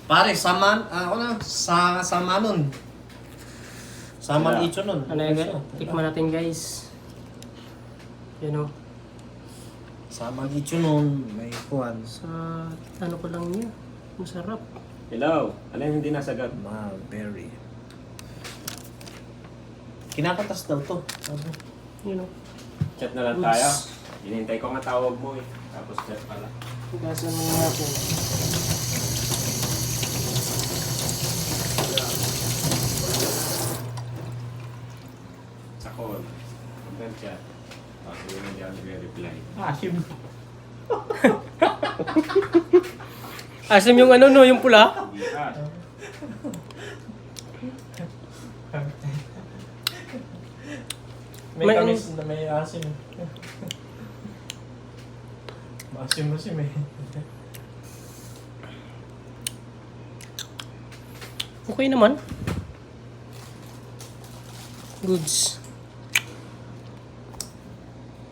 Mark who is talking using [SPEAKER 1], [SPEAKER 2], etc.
[SPEAKER 1] Pare, saman, ako na, sama nun. Saman
[SPEAKER 2] Wala.
[SPEAKER 1] ito nun.
[SPEAKER 3] Ano yun? Tikman natin guys. Yan o.
[SPEAKER 1] Saman ito nun, may kuhan.
[SPEAKER 3] Sa ano ko lang niya. Masarap.
[SPEAKER 2] Hello. Ano yung hindi nasagot?
[SPEAKER 1] Mulberry. Kinakatas daw to. Sabi.
[SPEAKER 3] Yan o.
[SPEAKER 2] Chat na lang tayo. Hinintay ko nga tawag mo eh. Tapos chat pala.
[SPEAKER 3] Hugasan mo natin.
[SPEAKER 2] Sa call. Content chat. Tapos yun hindi ako nagre-reply.
[SPEAKER 1] Asim.
[SPEAKER 3] Asim yung ano no, yung pula.
[SPEAKER 2] Hindi ka.
[SPEAKER 1] May
[SPEAKER 3] May-
[SPEAKER 1] kamis na may asim. Maasim eh.
[SPEAKER 3] Okay naman. Goods.